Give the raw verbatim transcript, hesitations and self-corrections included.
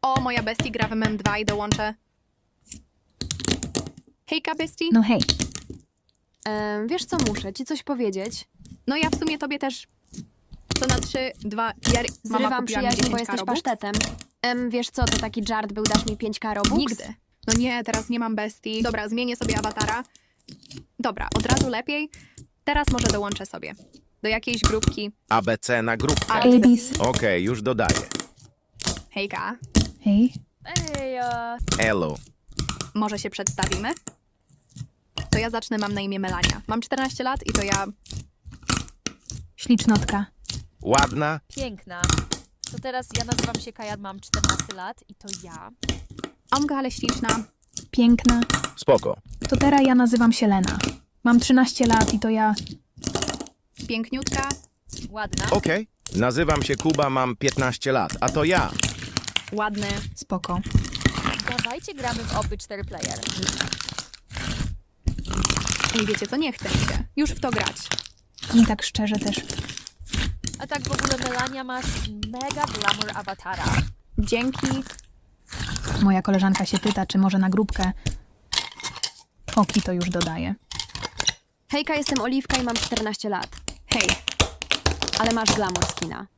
O, moja bestie gra w M M dwa i dołączę. Hejka, bestie. No hej, Em, wiesz co, muszę ci coś powiedzieć. No ja w sumie tobie też. To na trzy, dwa, ja... Mama Zrywam kupiła mi przyjaźń, bo dziesięć jesteś Robux. pasztetem. Em, wiesz co, to taki żart był, dasz mi pięć Robux? Nigdy. No nie, teraz nie mam bestii. Dobra, zmienię sobie awatara. Dobra, od razu lepiej. Teraz może dołączę sobie. Do jakiejś grupki. A B C na grupkę. A- Abis. Okej, już dodaję. Hejka. Hej. Ej, e, Elo. Może się przedstawimy? To ja zacznę, mam na imię Melania. Mam czternaście lat i to ja... Ślicznotka. Ładna? Piękna. To teraz ja nazywam się Kaja, mam czternaście lat i to ja. Omga, ale śliczna. Piękna. Spoko. To teraz ja nazywam się Lena. Mam trzynaście lat i to ja... Piękniutka. Ładna. Okej. Nazywam się Kuba, mam piętnaście lat, a to ja. Ładny. Spoko. Dawajcie gramy w oby cztery player. I wiecie co, nie chce mi się. Już w to grać. I tak szczerze też. A tak w ogóle Melania masz mega glamour awatara. Dzięki. Moja koleżanka się pyta, czy może na grupkę. Oki to już dodaję. hejka, jestem Oliwka i mam czternaście lat. Hej. Ale masz glamour skina.